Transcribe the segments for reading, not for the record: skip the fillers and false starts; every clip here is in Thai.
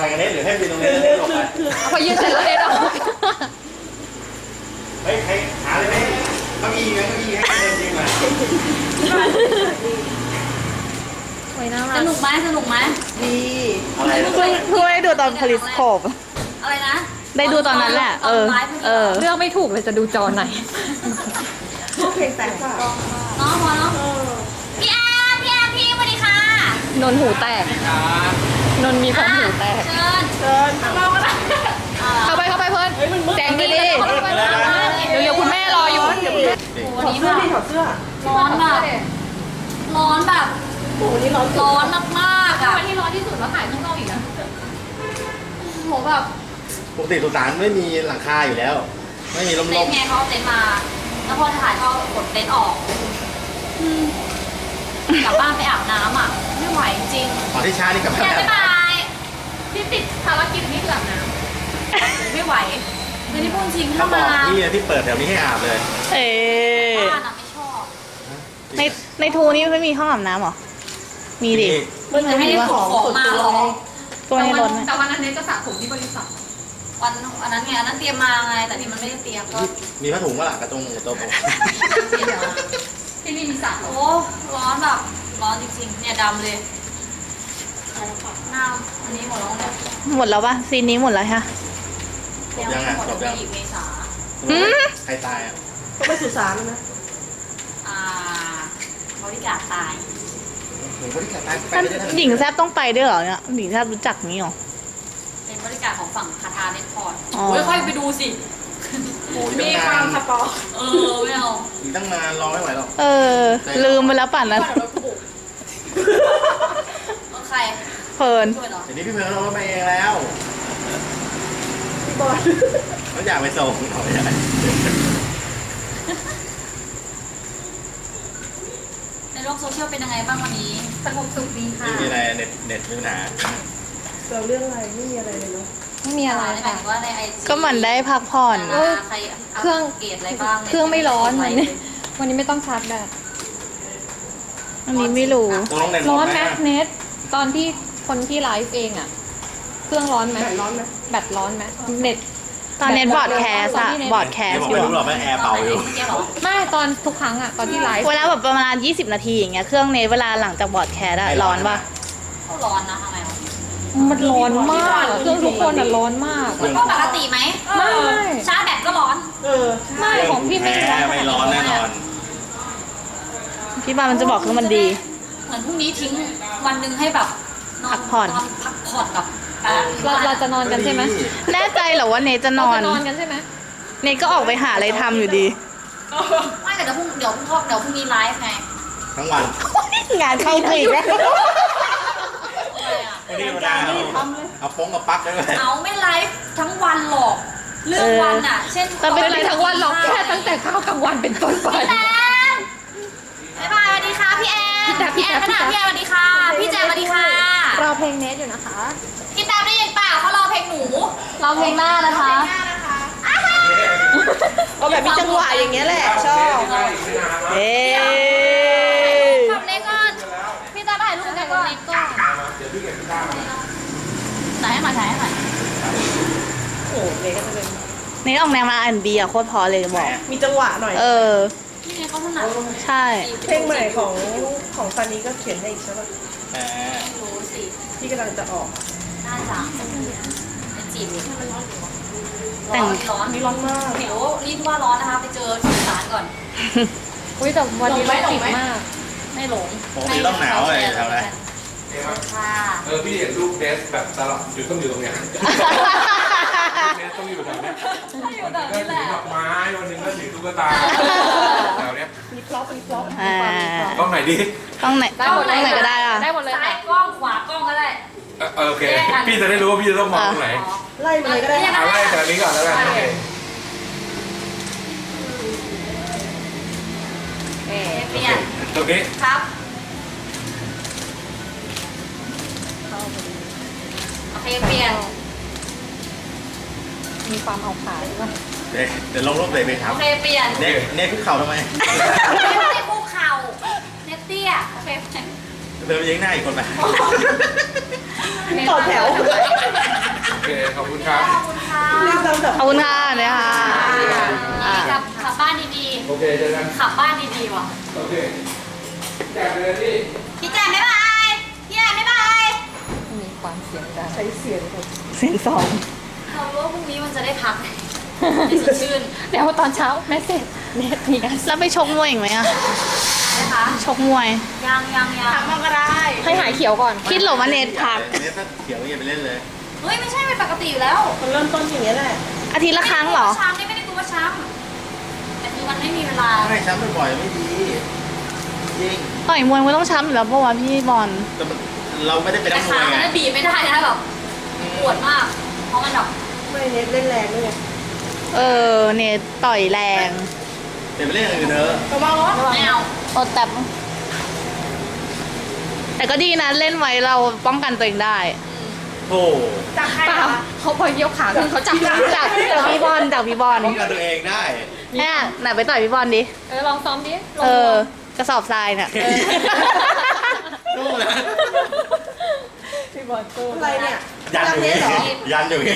ถ่ายกันเน็ตหรือให้ยืนตรงนี้เน็ตหลบไปพอยืนเสร็จแล้วเน็ตออกเฮ้ยใครหาเลยไหมเก้าอี้ไหมเก้าอี้ให้เดินจริงไหมโอ้ยน่ารัสกนุกไหมสนุกไหมดีอะไรเพิ่งได้ดูตอนพลิสโคปอะไรนะได้ดูตอนนั้นแหละตอนไลฟ์เลือกไม่ถูกเลยจะดูจอไหนเพลงแต่งค่ะน้องพอเนาะพี่อาร์พี่สวัสดีค่ะนนหูแตก นนมีผมหูแตกเชิญเชิญเราก็ได้เข้าไปเพื่อนแจงดีเร็วๆคุณแม่รออยู่วันนี้แบบถอดเสื้อร้อนแบบร้อนแบบโอ้นี่ร้อนร้อนมากๆอ่ะวันที่ร้อนที่สุดแล้วถ่ายข้างนอกอีกนะโหแบบปกติสุสานไม่มีหลังคาอยู่แล้ว ไม่มีลมเต็นท์ไงเขาเอาเต็นท์มา แล้วพอถ่ายเขากดเต็นท์ออกกลับบ้านไปอาบน้ำอ่ะไม่ไหวจริงขอที่ช้านี่กับอย่าบ๊ายบายที่ติดภารกิจนี่คืออาบน้ไม่ไหวไม่ได้พูดจริงถ้าถ้าบอมากที่ที่เปิดแถวนี้ให้อาบเลยเอ๊บ้านอ่ะไม่ชอบในทูนี่ไม่มีห้องอาบน้ำหรอ มีดิมันจะให้ได้ขนของมาหรอตัวในรถไหมแต่วันนั้นเน็ตจะสระผมที่บริษัทวันนั้นไงอันนั้นเตรียมมาไง แต่ที่มันไม่ได้เตรียมก็มีผ้าถุงว่าล่ะกระตรงตัวผมเตรียมมาที่นี่มีสระโอ้ร้อนแบบร้อนจริงๆเนี่ยดำเลยหน้าอันนี้หมดแล้วเนี่ยหมดแล้วปะซีนนี้หมดแล้วค่ะจบยังอ่ะหมดจบยังอีกเมษาใครตายอ่ะก็ไปสุสานนะบริการตายหนูก็ที่ตายไปไม่ได้ทันหญิงแซบต้องไปด้วยเหรอเนี่ยหญิงแซบรู้จักนี้หรอเป็นบริการของฝั่งคาทาเนคพอร์ตอ๋อโอ้ยค่อยไปดูสิโอ้ยมีความสปอร์ไม่เอาอีกตั้งนานรอไม่ไหวหรอกเออ ลืมไปแล้วป่านนั้นใครเพลินช่วยเหรอเดี๋ยวนี้พี่เพิร์นเราไปเองแล้วพี่บอลเขาอยากไปส่งเขาอยากในโลกโซเชียลเป็นยังไงบ้างวันนี้สงบสุขดีค่ะไม่มีอะไรเน็ตมีปัญหาเราเรื่องอะไรไม่มีอะไรเลยเนาะไม่มีอะไรหมายค่ะถึงว่าในไอจีก็เหมือนได้พักผ่อนใครอัปเกรดอะไรบ้างเครื่องไม่ร้อนวันนี้วันนี้ไม่ต้องชาร์จแบตอันนี้ไม่รู้ตัวน้องเน็ตร้อนไหมเน็ตตอนที่คนที่ไลฟ์เองอ่ะ เครื่องร้อนไหมแบตร้อนไหมเน็ตตอนเน็ตบอร์ดแคสอะบอร์ดแคสบอกอยู่ไม่รู้หรอกว่าแอร์เป่าอยู่ไม่ตอนทุกครั้งอ่ะตอนที่ไลฟ์เวลาแบบประมาณ20 นาทีอย่างเงี้ยเครื่องเน็ตเวลาหลังจากบอร์ดแคสอะร้อนปะก็ร้อนนะทำไมวะมันร้อนมากเครื่องทุกคนอ่ะร้อนมากมันก็ปกติไหมไม่ชาร์จแบตก็ร้อนไม่ของพี่ไม่แอร์ไม่ร้อนแน่นอนพี่บามันจะบอกคือมันดีเหมือนพรุ่งนี้ทิ้งวันหนึ่งให้แบบนอนพักผ่อนพักผ่อนกับเราจะนอนกันใช่ไหมแน่ใจเหรอว่าเนทจะนเราอนจะนอนกันใช่ไหมเนทก็ออกไปหาอะไรทำอยู่ดีไม่แต่เดี๋ยวพรุ่งนี้ไลฟ์ไงทั้งวันงานเข้าอีกแล้วอะไรอ่ะวันนี้ธรรมดาเอาโป้งกับปลั๊กได้ไหมเอาไม่ไลฟ์ทั้งวันหรอกเรื่องวันอ่ะ เช่นแต่ไม่เป็นไรทั้งวันหรอกแค่ตั้งแต่ข้าวกลางวันเป็นต้นไปแอนบ๊ายบายสวัสดีค่ะพี่แอนพี่แจ๊คพี่แอแจ๊นคขนาดพี่แอนสวัสดีค่ะพี่แจมสวัสดีค่ะรอเพลงเนทอยู่นะคะพี่แจมได้ยินเปล่าเขารอเพลงหนูรอเพลงหน้านะคะเอาแบบมีจังหวะอย่างเงี้ยแหละชอบเอ๊ทำเล็กก่อนพี่แจมถ่ายรูปกันก่อนถ่ายให้หน่อยถ่ายให้หน่อยเนทออกแนวมาอันบีอะโคตรพอเลยบอกมีจังหวะหน่อยเออพี่เนี่ยเขาถนัดใช่เพลงใหม่ของซันนี้ก็เขียนให้อีกใช่ปะแหมไม่รู้สิที่กำลังจะออกน่าจะเป็นจีบเลยแต่งร้อนนี่ร้อนมากเดี๋ยวรีบว่าร้อนนะคะไปเจอที่ศาลก่อนอุ้ยแต่วันนี้รถติดมากไม่หลงปกติต้องหนาวเลยแถวไหนค่ะพี่เห็นรูปเดสแบบตลอดอยู่ต้องอยู่ตรงเนี้ยเดสต้องอยู่แถวเนี้ยอยู่แถวก็นี้แหถือละดอกไม้วันหนึงก็ถือตุ๊กตาแถวเนี้ยอ่าต้องไหนดีต้องไหนต้องไหนก็ได้อะได้หมดเลยซ้ายค่ะกล้องขวากล้องก็ได้โอเค พี่จะได้รู้ว่าพี่จะต้องมองตรงไหนไล่มาเลยก็ได้เอาไล่จากนี้ก่อนแล้วกันโอเคเปลี่ยนตรงนี้ครับโอเคเปลี่ยนมีความเอาขาด้วยป่ะเดี๋ยวลงรูปเลยไปครัโอบ เคเปลี่ยนเน็ตขึ้นเข่าทำไมไม่ได้คุกเข่าเนตเตี้ยโอเคเดินไปยิงหน้าอีกคนไปต่อแถวเจอกันขับบ้านดีๆว่ะโอเคแจกเลยที่พี่แจมบ๊ายบายพี่แจมบ๊ายบายมีความเสียงดังใช้เสียงแบบเสียงสองเรารู้ว่าพรุ่งนี้มันจะได้พักให้สดชื่นเดี๋ยวตอนเช้าแม่เสร็จเน็ตมีการแล้วไปชกมวยอีกไหมอะนะคะชกมวยยังพักมาก็ได้ให้หายเขียวก่อนคิดเหรอว่าเนทพักเนทถ้าเขียวอย่าไปเล่นเลยเฮ้ยไม่ใช่เป็นปกติอยู่แล้วมันเริ่มต้นอย่างนี้ยแหละอาทิตย์ละครั้งเหรอช้ำนี่ไม่ได้กลัวช้ำแต่คือมันไม่มีเวลาไม่ช้ำบ่อยๆไม่ดีจริงต่อยมวยมันต้องช้ำอยู่แล้วเพราะว่าพี่บอลแต่มันเราไม่ได้เป็นแต่นักมขาวยมัไงนบีบไม่ได้นะแบบปวดมาก เพราะมันแบบไม่เน็ตเล่นแรงด้วยไงเนทต่อยแรงเดี๋ยวไปเล่นอย่างอื่นเถอะไม่เอาโอแต่ก็ดีนะเล่นไว้เราป้องกันตัวเองได้โธ่เปล่าเขาพอเยี่ยวขาขึ้นเขาจับจากพี่บอลจากพี่บอลป้องกันตัวเองได้เนี่ยไหนไปต่อยพี่บอลดิลองซ้อมดิลองกระสอบทรายเนี่ยนู่นนะพี่บอลตู้อะไรเนี่ยยันอยู่นี่ยันอยู่นี่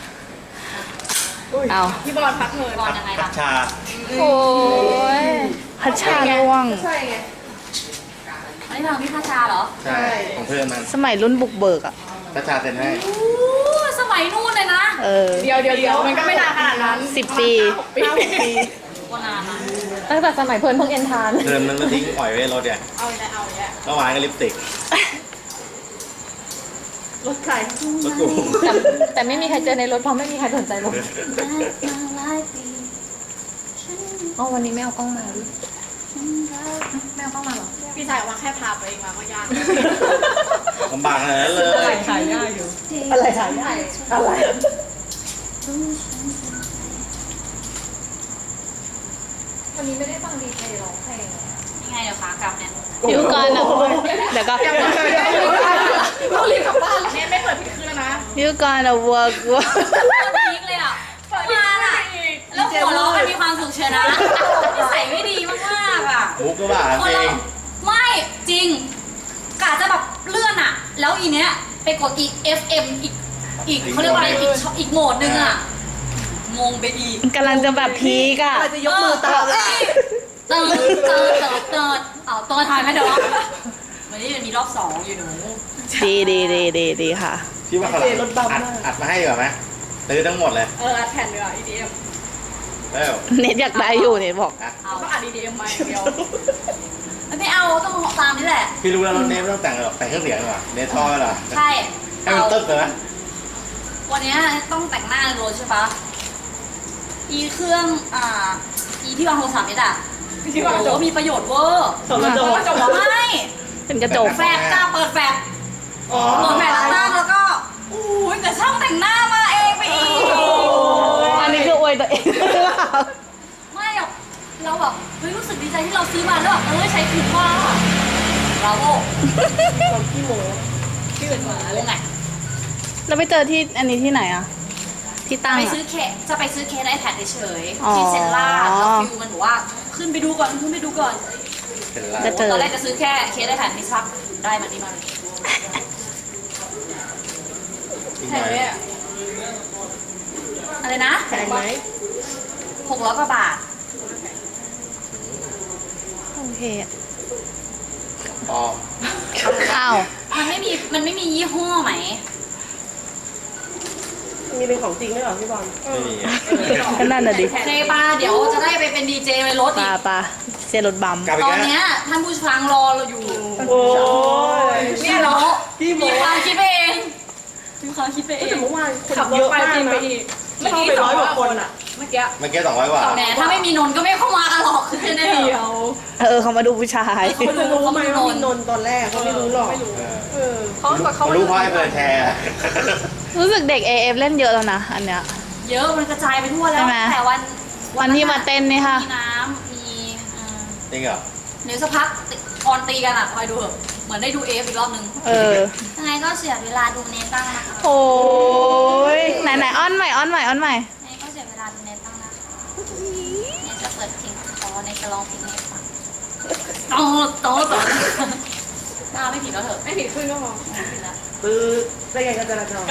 อุ้ยเอาพี่บอลพักเงินก่อนยังไงพัล่ะชชาโอ้ยพัชชาล่วงใช่ไงอันนี้ทางพี่พาชาเหรอใช่ ของเพื่อนมันสมัยรุ่นบุกเบิกอ่ะพัชชาเซ็นให้อู้สมัยนู่นเลยนะเดี๋ยวมันก็ไม่นานขนาดนั้น 10 ปี 5-6 ปีกว่านานนะตั้งแต่สมัยเพิ่นเพิ่งเอ็นทานเดินมันมาทิ้งปล่อยไว้รถเนี่ยเอาเมื่อวานก็ลิปสติกรถใครรถกูแต่ไม่มีใครเจอในรถเพราะไม่มีใครสนใจรถอ๋อวันนี้ไม่เอากล้องมาดิไม่เอากล้องมาหรอพี่ชายว่าแค่พาไปเองมาก็ยากลำบากขนาดนั้นเลยถ่ายได้อยู่อะไรถ่ายได้อะไรวันนี้ไม่ได้ฟังดีเจร้องเพลงยังไงเดี๋ยวขากลับเนี่ยเดี๋ยวก่อนนะเดี๋ยวก็ต้องรีบกลับบ้านเนี่ยไม่เปิดผิดคืนแล้วนะเดี๋ยวก่อนนะ work พีคเลยอ่ะมาอ่ะแล้วหัวเราะกันมีความสุขเชียวนะนิสัยไม่ดีมากๆอ่ะมุกก็บ้าจริงไม่จริงกะจะแบบเลื่อนอ่ะ แล้วอีเนี้ยไปกดอี FM อีกเขาเรียกว่าอะไรอีกโหมดนึงอ่ะงงไปอีกกำลังจะแบบพีกอ่ะอะไรจะยกมือตามเติร์ดเอาตัวทายไหมเดี๋ยววันนี้มันมีรอบ2อยู่หนูดีค่ะพี่ว่าเขาอัดมาให้ดีกว่าไหมซื้อทั้งหมดเลยอัดแผ่นดีกว่า EDM แล้วเน็ตอยากได้อยู่เน็ตบอกเอาต้องอัด EDM มาอย่างเดียวไม่เอาต้องตามนี่แหละพี่รู้แล้วรถเนทไม่ต้องแต่งหรอกแต่งเครื่องเสียงดีกว่าเนทท่อเหรอใช่ให้มันตึ๊บเลยไหมวันนี้ต้องแต่งหน้าในรถใช่ปะอีเครื่องอีที่วางโทรศัพท์นี่อ่ะที่วางโอ้มีประโยชน์เวอร์สองกระจกไม่เป็นกระจกแฟลชจ้าเปิดแฟลชเปิดแฟลชตั้งแล้วก็อู้ยแต่ช่างแต่งหน้ามาเองไปอีกอันนี้คืออวยตัวเองหรือเปล่าไม่หรอกเราแบบเฮ้ยรู้สึกดีใจที่เราซื้อมาแล้วแบบใช้คุ้มมากเราโง่ความขี้โม้ชื่อมาเลยไงเราไปเจอที่อันนี้ที่ไหนอ่ะ ที่ตั้งไปอะซื้อเคสจะไปซื้อเคสไอแพดเฉยอ๋อๆที่เซนล่าแล้วฟิวมันบอกว่าขึ้นไปดูก่อนขึ้นไปดูก่อนเป็นไรจะเจอตอนแรกจะซื้อแค่เคสไอแพดมิซักได้มันนี่มาเลยอีกหน่อยอะไรนะแพงไหม 600 กว่าบาทโอเคปลอมอ้าวมันไม่มียี่ห้อไหมมีเป็นของจริงด้วยเหรอพี่บอลไม่มีก็นั่นน่ะดิเซปาเดี๋ยวจะได้ไปเป็นดีเจในรถปอีลาก ปลาเซรถบัมกลับไปตอนแก้เนี้ยท่านผู้ฟังรอเราอยู่โอ้ยเนี่ยเนาะพี่โม้มีความคิดไปเองมีความคิดไปเอแต่งเมื่อวานคนเยอะมากนะเข้าไป100 กว่าคนอ่ะเมื่อกี้เมื่อกี้200 กว่าแหมถ้าไม่มีนนท์ก็ไม่เข้ามากันหรอกคือแน่ๆเดียวเขามาดูผู้ชายเขาจะรู้ไหมว่ามีนนท์ตอนแรกเขาไม่รู้หรอกเออเขารู้เพราะไอ้เปิดแชร์รู้สึกเด็ก AF เล่นเยอะแล้วนะ อันเนี้ยเยอะมันกระจายไปทั่วแล้ใช่วไหมแต่วันที่มาเต้นนี่ค่ะมีน้ำมีจริงเหรอเดี๋ยวสักพักออนตีกันอ่ะคอยดูเถอะเหมือนได้ดูเอฟอีกรอบนึง ยังไงก็เสียเวลาดูเนตั้งนะคะโอ้ยไหนอ้อนใหม่อ้อนใหม่อ้อนใหม่ยังไงก็เสียเวลาดูเนตั้งนะคะเนจะเปิดเพลงคอในจะร้องเพลงให้ฟังโตหน้าไม่ผิดแล้วเถอะไม่ผิดขึ้นก็พอไม่ผิดแล้วคือได้ไงกันจราจร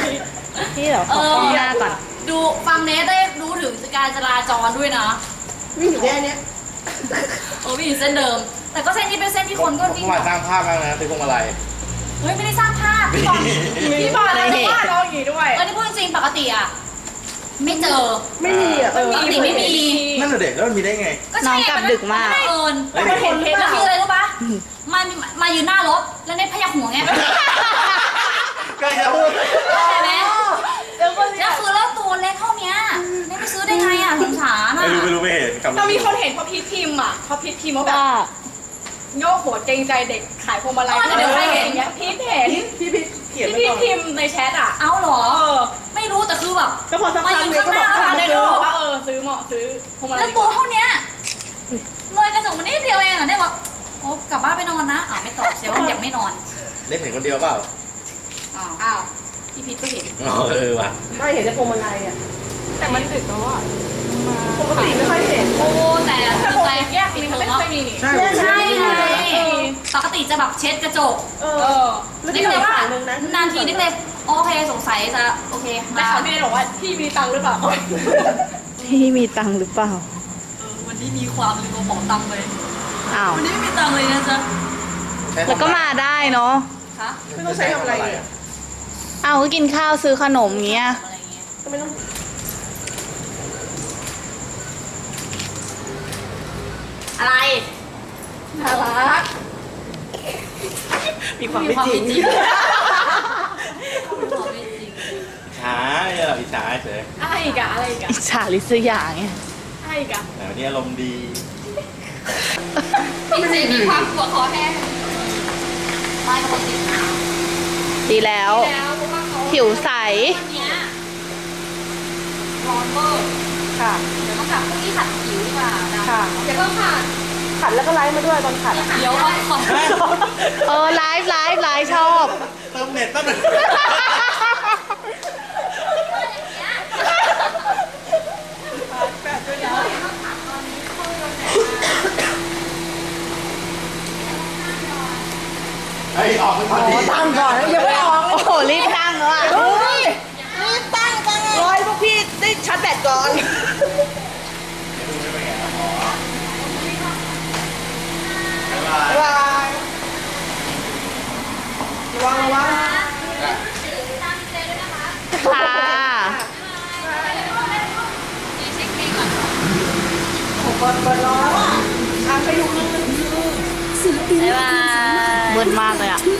พี่เดี๋ยวขอกล้องหน้าก่อนดูฟังเนทได้รู้ถึงการจราจรด้วยนะวิ่งอยู่แค่เนี้ยโอ้วิ่งอยู่เส้นเดิม แต่ก็เส้นนี้เป็นเส้นที่คนก็วิ่งเมื่อวานสร้างภาพมากนะซื้อพวงมาลัยเฮ้ยไม่ได้สร้างภาพพี่บอลพี่บอลอะไรว่าน้องอย่างงี้ด้วยนี่พูดจริงปกติอ่ะไม่เจอไม่มีอ่ะปกติไม่มีนั่นแหละเด็กแล้วมันมีได้ไงก็ใช่น้องกลับดึกมากนเอิญแล้วมันเห็นแล้วคืออะไรรู้ปะมายืนหน้ารถแล้วเน็ตพยักหัวไงก็จะพูดใช่ไหมแล้วคือแล้วตัวเล็กเท่าเนี้ยเน็ตไปซื้อได้ไงอ่ะสงสารอ่ะไม่รู้ไม่เห็นกับเรามีคนเห็นเพราะพีทพิมพ์อ่ะเพราะพีทพิมพ์ว่าแบบว่าโยกหัวเกรงใจเด็กขายพวงมาลัยเดี๋ยวใครเห็นอย่างเงี้ยพีทเห็นพี่เขียนที่ไว้พีทก่อนพิมพ์ในแชทอ่ะเอาเหรอเออไม่รู้แต่คือแบบก็พอสักมาพักยืนเดียวข้างก็หบน้าอกร้านเลเลย ยเนเนาะอะว่าซื้อเหมาะซื้อพวงมาลัแล้ยวตัวเท่าเนี้ยเลยกระจกมานิดเดียวเองอ่ะได้บอกโอ้กลับบ้านไปนอนนะไม่ตอบเสียว่าอยากไม่นอนเล็กเห็นคนเดียวเปล่าอ้าวพี่พีทก็เห็นอ๋อว่ะไม่เห็นจะพวงมาลัยอ่ะแต่มันดึกแล้วอ่ะปกติไม่ค่อยเห็นโอ้แต่แต่ปกแต่ติแยกสีมันไม่เคยมีนี่ใช่ใช่ไงปกติจะแบบเช็ดกระจกเอเอออแล้วนี่ที่ก็เหเลลืยอว่าฝั่งนึงนะนานทีนึกเลยโอเคสงสัยจะโอเคแต่มาเขาพี่เนยบอกว่าพี่มีตังค์หรือเปล่าพี่มีตังค์หรือเปล่าวันนี้มีความลืมกระเป๋าตังค์เลยอ้าววันนี้ไม่มีตังค์เลยนะจ๊ะแล้วก็มาได้เนาะคะไม่ต้องใช้ทำอะไรอ่ะเอาก็กินข้าวซื้อขนมเงี้ยอะไรเงี้ยก็ไม่ต้องอะไรน่ารักมีความไม่จริงมีความไม่จริงช้าเนี่ยอิจฉาเฉยอะไรอีกอะอะไรอีกอะอิจฉาลิษยาไงอะไรอีกอะแต่วันนี้อารมณ์ดีพี่เจมีความหัวคอแห้งไม่ปกติดีแล้วแล้วเพราะว่าเขาผิวใสวันเนี้ยร้อนเวอร์ค่ะเดี๋ยวต้องกลับพรุ่งนี้ขัดผิวดีกว่านะค่ะเดี๋ยวต้องผ่านขัดแล้วก็ไลฟ์มาด้วยตอนขัดเดี๋ยวเราขอไลฟ์ชอบเติมเน็ตตั้งหนึ่งเฮ้ยออกไปพอดีตั้งก่อนยังไม่ออกโอ้โห รีบตั้งแล้วอ่ะรีบตั้งรอยพวกพี่ได้ชาร์จแบตก่อนบ๊ายบายบ๊ายบายระวังระวังค่ะเปิดรอแล้วอ่ะไปอยู่ข้างนึงบ๊ายบายมืดมากเลยอ่ะ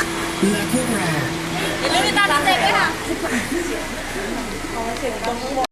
อย่าลืมติดตามน้ำเด็กด้วยค่ะ